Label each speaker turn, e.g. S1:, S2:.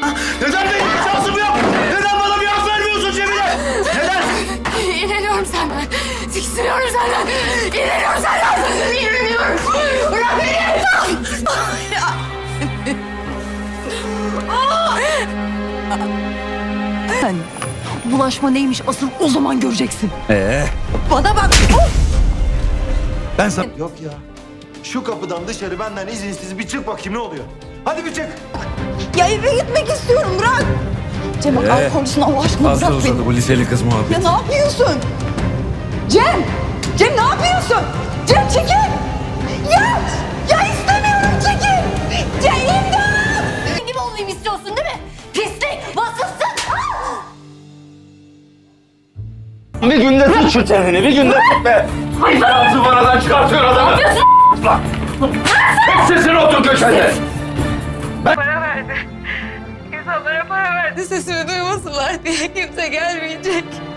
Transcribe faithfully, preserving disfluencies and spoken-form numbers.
S1: Neden benim bir şansım yok? Neden bana bir hak vermiyorsun Cemile? Neden?
S2: İğreniyorum senden. Tiksiniyorum senden. İğreniyorum senden. İğreniyorum. Bırak beni. Sen bulaşma neymiş asıl o zaman göreceksin.
S1: Ee?
S2: Bana bak.
S1: Ben sana... Yok ya. Şu kapıdan dışarı benden izinsiz bir çık bakayım ne oluyor? Hadi bir çık.
S2: Ya eve gitmek istiyorum bırak. Cem bak
S3: Ee,
S2: al konusunu Allah aşkına
S3: Fazla
S2: bırak beni.
S3: uzadı bu liseli kız muhabbeti.
S2: Ya ne yapıyorsun? Cem! Cem ne yapıyorsun? Cem çekil! Ya! Ya istemiyorum çekil! Cem imdat! Senin gibi olayım istiyorsun değil mi? Pislik! Vasıfsın!
S1: Bir günde tut şu çeneni, bir günde tut be. Hayır! Zıvanadan çıkartıyor adamı. Ne yapıyorsun? Lan! Tek sesini otur köşede.
S4: Para verdi. İnsanlara para verdi sesimi duymasınlar diye kimse gelmeyecek.